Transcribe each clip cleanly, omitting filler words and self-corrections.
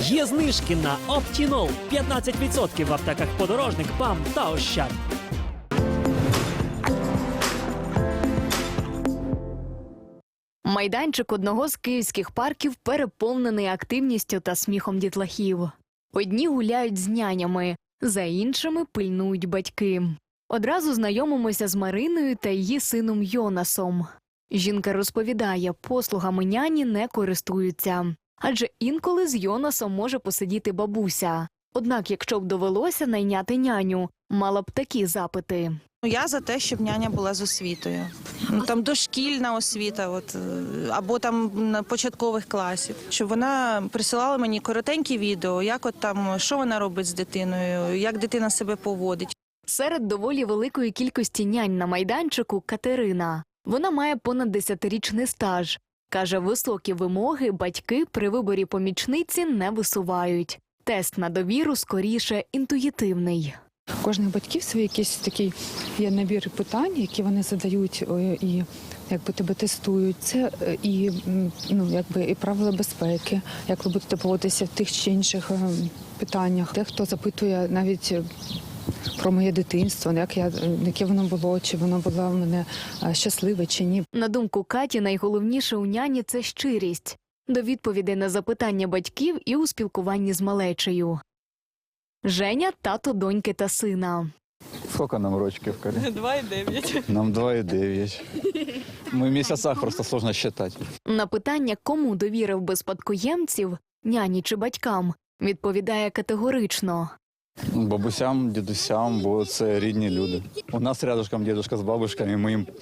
Є знижки на Оптінол. 15% в аптеках «Подорожник», «ПАМ» та «Ощад». Майданчик одного з київських парків переповнений активністю та сміхом дітлахів. Одні гуляють з нянями, за іншими пильнують батьки. Одразу знайомимося з Мариною та її сином Йонасом. Жінка розповідає, послугами няні не користуються. Адже інколи з Йонасом може посидіти бабуся. Однак, якщо б довелося найняти няню, мала б такі запити. Я за те, щоб няня була з освітою. Там дошкільна освіта, або там на початкових класів. Щоб вона присилала мені коротенькі відео, як що вона робить з дитиною, як дитина себе поводить. Серед доволі великої кількості нянь на майданчику Катерина. Вона має понад 10-річний стаж. Каже, високі вимоги батьки при виборі помічниці не висувають. Тест на довіру скоріше інтуїтивний. У кожних батьків свій якийсь такий є набір питань, які вони задають і тебе тестують. Це і і правила безпеки, як ви будете поводитися в тих чи інших питаннях. Дехто запитує навіть про моє дитинство, яке воно було, чи воно було в мене щасливе, чи ні. На думку Каті, найголовніше у няні – це щирість. До відповідей на запитання батьків і у спілкуванні з малечею. Женя – тато доньки та сина. Сколько нам рочків, Коля? 2,9. Нам 2,9. Мы в месяцах просто сложно считать. На питання, кому довірив би спадкоємців – няні чи батькам, відповідає категорично. Бабусям, дідусям, бо це рідні люди. У нас рядышком дідусь з бабушками, ми їм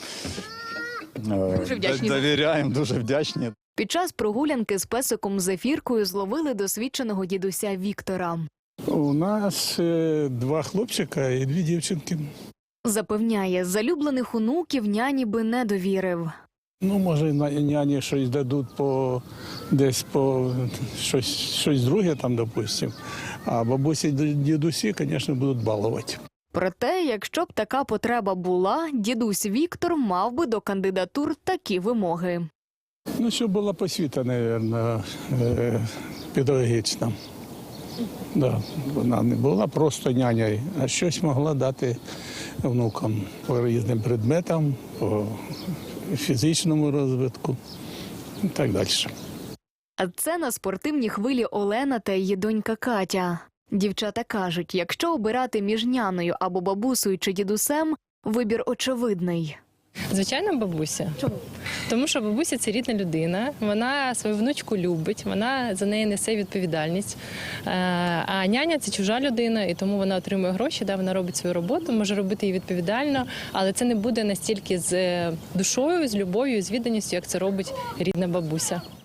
довіряємо, дуже вдячні. Під час прогулянки з песиком Зефіркою зловили досвідченого дідуся Віктора. У нас 2 хлопчика і 2 дівчинки. Запевняє, залюблених онуків няні би не довірив. Може, няні щось дадуть десь щось друге там, допустим. А бабусі і дідусі, звісно, будуть балувати. Проте, якщо б така потреба була, дідусь Віктор мав би до кандидатур такі вимоги. Щоб була посвіта, мабуть, педагогічна. Да, вона не була просто нянею, а щось могла дати внукам по різним предметам, по фізичному розвитку і так далі. А це на спортивній хвилі Олена та її донька Катя. Дівчата кажуть, якщо обирати між няною або бабусею чи дідусем, вибір очевидний. Звичайно, бабуся. Чому? Тому що бабуся – це рідна людина, вона свою внучку любить, вона за неї несе відповідальність. А няня – це чужа людина, і тому вона отримує гроші, вона робить свою роботу, може робити її відповідально, але це не буде настільки з душою, з любов'ю, з відданістю, як це робить рідна бабуся.